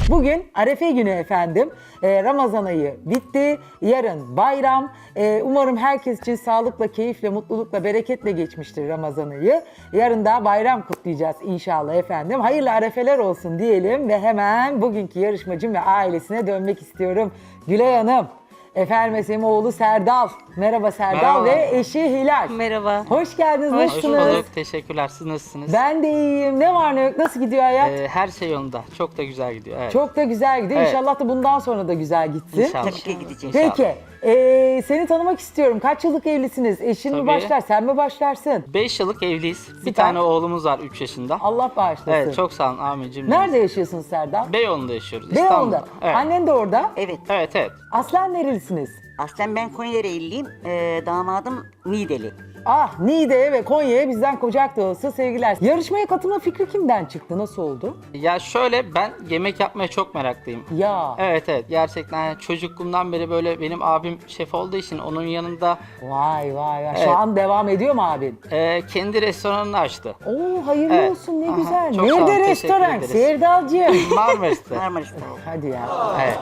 Bugün Arefe günü efendim. Ramazan ayı bitti. Yarın bayram. Umarım herkes için sağlıkla, keyifle, mutlulukla, bereketle geçmiştir Ramazan ayı. Yarın da bayram kutlayacağız inşallah efendim. Hayırlı arefeler olsun diyelim ve hemen bugünkü yarışmacım ve ailesine dönmek istiyorum. Gülay Hanım. Efendim oğlu Serdal. Merhaba Serdal Merhaba. ve eşi Hilal. Merhaba. Hoş geldiniz. Hoş Hoş Nasılsınız? bulduk. Teşekkürler. Siz nasılsınız? Ben de iyiyim. Ne var ne yok? Nasıl gidiyor hayat? Her şey yolunda. Çok da güzel gidiyor. Evet. Çok da güzel gidiyor. Evet. İnşallah da bundan sonra da güzel gitsin. İnşallah. Tabii ki gideceğiz. İnşallah. Peki. Seni tanımak istiyorum. Kaç yıllık evlisiniz? Eşin mi Tabii. başlar? Sen mi başlarsın? 5 yıllık evliyiz. Bir Süper. tane oğlumuz var 3 yaşında. Allah bağışlasın. Evet, çok sağ olun Ahmetciğim. Nerede yaşıyorsun Serdal? Beyoğlu'nda yaşıyoruz. Beyoğlu'nda. İstanbul'da. Evet. Annen de orada. Evet. Evet. Aslen nerelisiniz? Aslen ben Konya Ereğliyim. Damadım Niğdeli. Ah, Niğde'ye ve Konya'ya bizden kucak dolusu sevgiler. Yarışmaya katılma fikri kimden çıktı? Nasıl oldu? Ya şöyle, ben yemek yapmaya çok meraklıyım. Ya. Evet, gerçekten yani çocukluğumdan beri böyle benim abim şef olduğu için onun yanında Vay vay vay. Şu Evet. an devam ediyor mu abin? kendi restoranını açtı. Oo, hayırlı Evet. olsun, ne Aha, güzel. çok sağ olun, Nerede teşekkür restoran? ederiz. Serdalcığım. Marmaris'te. Marmaris'te. Hadi ya. Evet.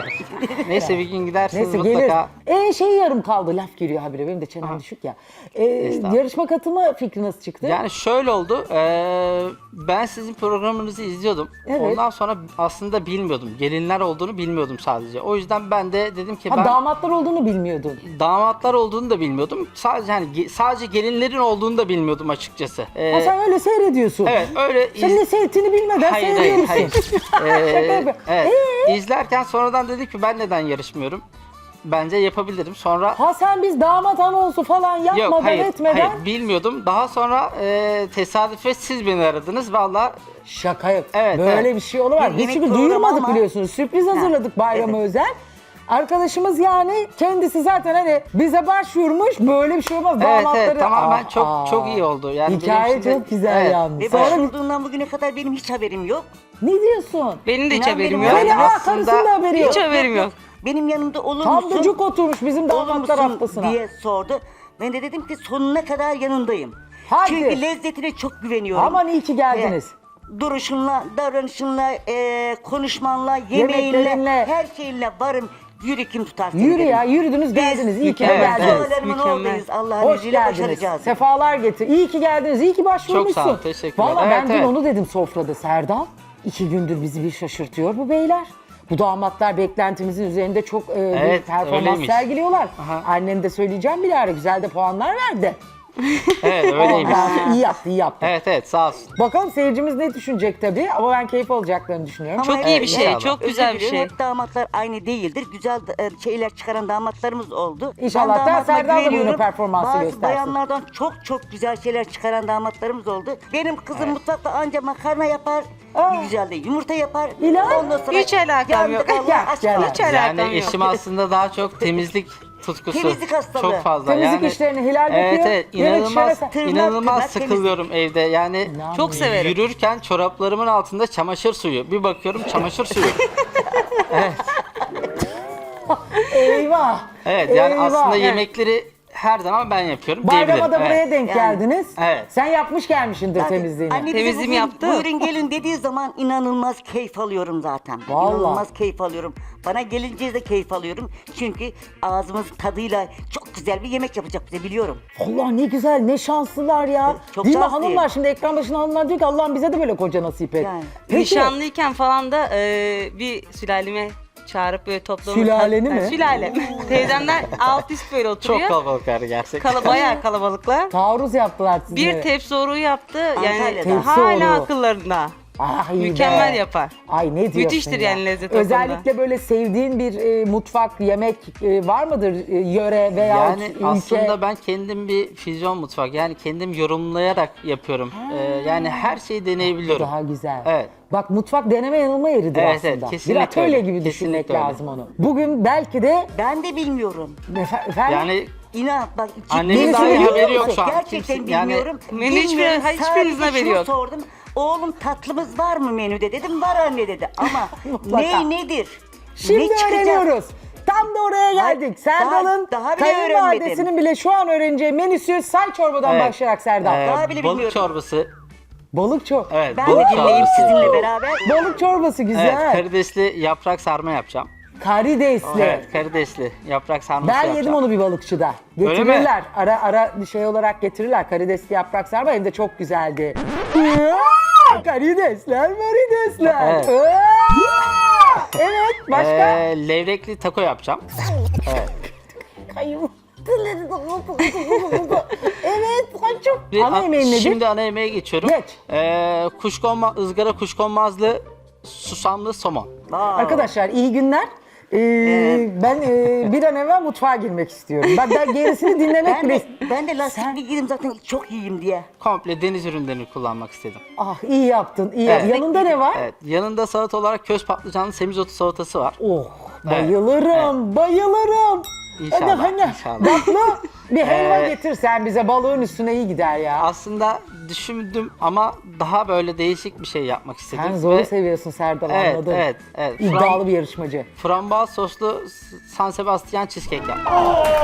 Neyse bir gün gidersiniz Neyse mutlaka. gelir. Şey yarım kaldı, laf giriyor habire, benim de çenem düşük ya. Estağfurullah. Yarışma katılma fikri nasıl çıktı? Yani şöyle oldu, ben sizin programınızı izliyordum. Evet. Ondan sonra aslında bilmiyordum. Gelinler olduğunu bilmiyordum sadece. O yüzden ben de dedim ki ben Damatlar olduğunu bilmiyordun. damatlar olduğunu da bilmiyordum. Sadece sadece gelinlerin olduğunu da bilmiyordum açıkçası. Ha, sen öyle seyrediyorsun. Evet, öyle Sen ne seyrettiğini bilmeden Hayır, seyrediyorsun. hayır. yapıyorum. Evet. İzlerken sonradan dedim ki ben neden yarışmıyorum? Bence yapabilirim. Sonra Ha, sen biz damat anonsu falan yapmadan yok, hayır, etmeden. hayır, bilmiyordum. Daha sonra tesadüfe siz beni aradınız. Vallahi Şaka yok. Evet, Böyle evet. bir şey olamaz. Bir Biz yemek çünkü programı duyurmadık ama- biliyorsunuz. Sürpriz hazırladık bayrama özel. Arkadaşımız yani kendisi zaten hani bize başvurmuş, böyle bir şey olmaz. Damatları... evet, tamamen Aa, çok iyi oldu. Yani Hikaye benim için de- çok güzel evet. yalnız. Ve Sonra başvurduğundan bugüne kadar benim hiç haberim yok. ne diyorsun? Benim de hiç İnan haberim benim yok. haberim Öyle aslında- karısının da haberi yok. Hiç haberim yok. Benim yanımda olur Tam musun? da cuk oturmuş bizim Olur damatlar musun haftasına. diye sordu. Ben de dedim ki sonuna kadar yanındayım. Hadi. Çünkü lezzetine çok güveniyorum. Aman iyi ki geldiniz. Duruşunla, davranışınla, konuşmanla, yemeğinle, Yemeklerinle. her şeyinle varım. Yürü kim tutar seni Yürü dedim. ya, yürüdünüz geldiniz. İyi ki de Evet, geldiniz. evet. Dualarımın Mükemmel. oradayız. Allah'ın Hoş izniyle geldiniz. başaracağız. Sefalar getir. İyi ki geldiniz. İyi ki başvurmuşsun. Çok sağ ol, teşekkürler. Valla ben Evet, dün evet. onu dedim sofrada Serdal. 2 gündür bizi bir şaşırtıyor bu beyler. Bu damatlar beklentimizin üzerinde çok bir Evet, performans öyleymiş. sergiliyorlar. Aha. Annem de söyleyeceğim bir ara, güzel de puanlar verdi. Evet, öyleymiş. İyi yaptı, iyi yaptı. Evet, sağ olsun. Bakalım seyircimiz ne düşünecek tabii, ama ben keyif alacaklarını düşünüyorum. Ama Çok iyi bir evet, şey, inşallah. çok güzel bir Özür dilerim, şey. hep damatlar aynı değildir. Güzel şeyler çıkaran damatlarımız oldu. İnşallah Ben da damatıma Serdal da bugün güveniyorum. performansı Bazı göstersin. bayanlardan çok güzel şeyler çıkaran damatlarımız oldu. Benim kızım mutfakta anca makarna yapar. Güzel de yumurta yapar. İlan? Ondan sonra Hiç alakam yandık yok. Allah Gel, aşkına. gel. Hiç alakam Yani yok. eşim aslında daha çok temizlik tutkusu. Temizlik hastalığı. Çok fazla. Temizlik yani, işlerini Hilal yapıyor. Evet, Yemek inanılmaz, işleri- Tırnak, inanılmaz tırnak, sıkılıyorum evde. Yani İnanmıyorum. Çok severim. yürürken çoraplarımın altında çamaşır suyu. Bir bakıyorum çamaşır suyu. Eyvah. Evet, yani Eyvah. aslında Evet. yemekleri her zaman ben yapıyorum Bayrama diyebilirim. da buraya Evet. denk geldiniz. Evet. Sen yapmış gelmişsindir Zaten temizliğini. anne bize Temizliğimi bugün yaptı. Buyurun gelin dediği zaman inanılmaz keyif alıyorum zaten. Vallahi. İnanılmaz keyif alıyorum. Bana gelince de keyif alıyorum. Çünkü ağzımızın tadıyla çok güzel bir yemek yapacak bize biliyorum. Allah ne güzel, ne şanslılar ya. Çok Değil mi şanslıyım. hanımlar? Şimdi ekran başına hanımlar diyor ki Allah'ım bize de böyle koca nasip et. Yani. Peki, Nişanlıyken falan da bir sülaleme çağırıp böyle toplanıp... Sülaleni mi? Sülalem. Teyzemler alt üst böyle oturuyor. Çok kalabalıklar gerçekten. Bayağı kalabalıklar. taarruz yaptılar sizinle. Bir tepsi oruğu yaptı. Yani Antalya'da. Tepsi hala oruğu. akıllarında. Ah, iyi Mükemmel be. yapar. Ay ne diyorsun Müthiştir ya? yani lezzet Özellikle böyle sevdiğin bir mutfak, yemek var mıdır? Yöre veya Yani ülke? aslında ben kendim bir füzyon mutfak, yani kendim yorumlayarak yapıyorum. Yani her şeyi deneyebiliyorum. Daha güzel. Evet. Bak, mutfak deneme yanılma yeridir Evet, aslında. evet, kesinlikle bir atölye öyle. gibi düşünmek Kesinlikle öyle. lazım onu. Bugün belki de Ben de bilmiyorum. efendim, Yani İnan bak Annemin Menüsünü dahi biliyor haberi yok musun? şu an. Gerçekten Kimse- yani bilmiyorum. Menü hiçbir- Bilmiyorum. hiçbirinizin Sadece haberi şunu yok. sordum. Oğlum tatlımız var mı menüde dedim. Var anne dedi. Ama Mutlaka. nedir? şimdi ne çıkacak? öğreniyoruz. Tam da oraya geldik. Serdal'ın daha bile kayınvalidesinin bile şu an öğreneceği menüsü say çorbadan Evet. başlayarak Serdal. Daha bile balık bilmiyorum. çorbası, Balık çok. Evet, Ben de balık dinleyeyim çorbası. sizinle beraber. Balık çorbası güzel. Evet, karidesli yaprak sarma yapacağım. Karidesli. Evet, karidesli yaprak sarması Ben yapacağım. yedim onu bir balıkçıda. Öyle mi? Getirirler. Ara şey olarak getirirler. Karidesli yaprak sarma hem de çok güzeldi. Karidesler, maridesler. Evet. Evet, başka? Levrekli taco yapacağım. Kayım. Evet, çok. Ana yemeğin nedir? Şimdi ana yemeğe geçiyorum. Geç. Izgara kuşkonmazlı susamlı somon. Arkadaşlar iyi günler. Ben bir an evvel mutfağa girmek istiyorum. Ben gerisini dinlemek bile... Ben de lastikli giydim zaten çok iyiyim diye. Komple deniz ürünlerini kullanmak istedim. Ah iyi yaptın, iyi Evet. yaptın. Yanında ne var? Evet, yanında salata olarak köz patlıcanlı semizotu salatası var. Oh, bayılırım, bayılırım. İnşallah, Hadi inşallah. Tatlı bir helva getir sen bize, balığın üstüne iyi gider ya. Aslında düşündüm ama daha böyle değişik bir şey yapmak istedim. Sen zoru Ve- seviyorsun Serdal, Evet, anladım. evet. İddialı bir yarışmacı. Frambuaz soslu San Sebastian cheesecake yaptım.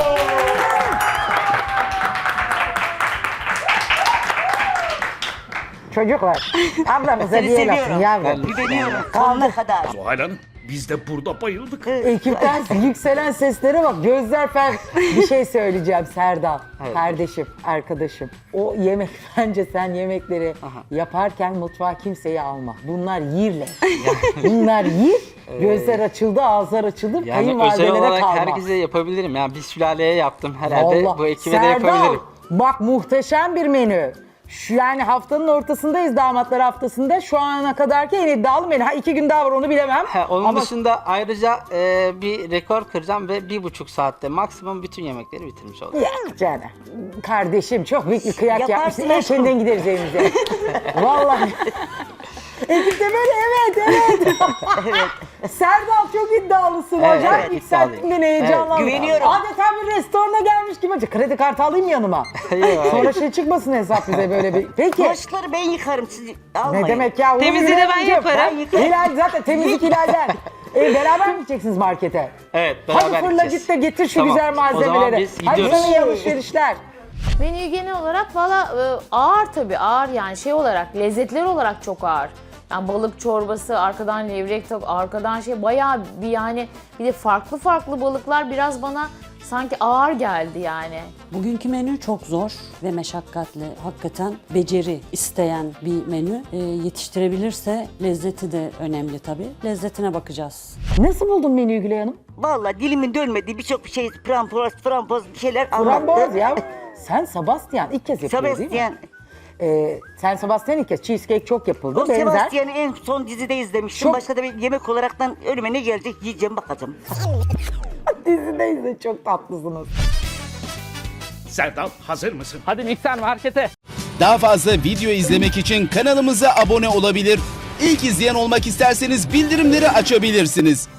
Çocuklar, ablamıza Seni diye lafın seviyorum. yavrum. Güveniyorum sonuna kadar. Zuhal Hanım biz de burada bayıldık. Ekipten yükselen seslere bak, gözler fer. Bir şey söyleyeceğim Serdal, Evet. kardeşim, arkadaşım. O yemek, bence sen yemekleri yaparken mutfağa kimseyi alma. Bunlar yirler. Bunlar yir, gözler açıldı, ağızlar açıldı, Yani özel kayınvalidelere olarak kalmaz. herkese yapabilirim. Yani bir sülaleye yaptım herhalde. Vallahi. Bu ekibe de Serdal, yapabilirim. bak muhteşem bir menü. Şu yani haftanın ortasındayız, damatlar haftasında. Şu ana kadarki en iddialı menü. Ha 2 gün daha var, onu bilemem. Onun Ama dışında ayrıca bir rekor kıracağım ve 1,5 saatte maksimum bütün yemekleri bitirmiş olacağım. ya canım, kardeşim çok büyük bir kıyak Yaparsın yapmışsın. aşkım. Eşinden gideriz evimize. Vallahi. Ekip de böyle evet. Serdal çok iddialısın Evet, hocam. evet, Yükselttin iddialıyım. beni, heyecanlandım. güveniyorum. Adeta bir restorana gelmiş gibi. Kredi kartı alayım yanıma. Yok, Sonra şey çıkmasın hesap bize böyle bir. Peki. Bulaşıkları ben yıkarım sizi almayın. Ne demek ya? Onu Temizliği de ben Hilal'cim. yaparım. Hilal zaten temizlik Hilal'den. Beraber mi gideceksiniz markete? Evet, beraber Hadi fırla gideceğiz. git de getir şu Tamam, güzel o zaman malzemeleri. biz Hadi gidiyoruz. sana iyi alışverişler. Menü genel olarak valla ağır tabii, ağır yani şey olarak, lezzetler olarak çok ağır. Yani balık çorbası, arkadan levrek, arkadan şey bayağı bir yani, bir de farklı farklı balıklar biraz bana sanki ağır geldi yani. Bugünkü menü çok zor ve meşakkatli. Hakikaten beceri isteyen bir menü. Yetiştirebilirse lezzeti de önemli tabii. Lezzetine bakacağız. Nasıl buldun menüyü Gülay Hanım? Vallahi dilimin dönmediği birçok şey framboz bir şeyler Framboz anlattı. ya. Sen Sebastian ilk kez yapıyor değil mi? Sebastian. Sen Sebastian ilk kez. Cheesecake çok yapıldı. O Benzer. Sebastian'ı en son dizide izlemiştim. Çok- Başka da bir yemek olaraktan önüme ne gelecek yiyeceğim bakacağım. Dizideyiz de çok tatlısınız. Serdal hazır mısın? Hadi mikser markete. Daha fazla video izlemek için kanalımıza abone olabilir. İlk izleyen olmak isterseniz bildirimleri açabilirsiniz.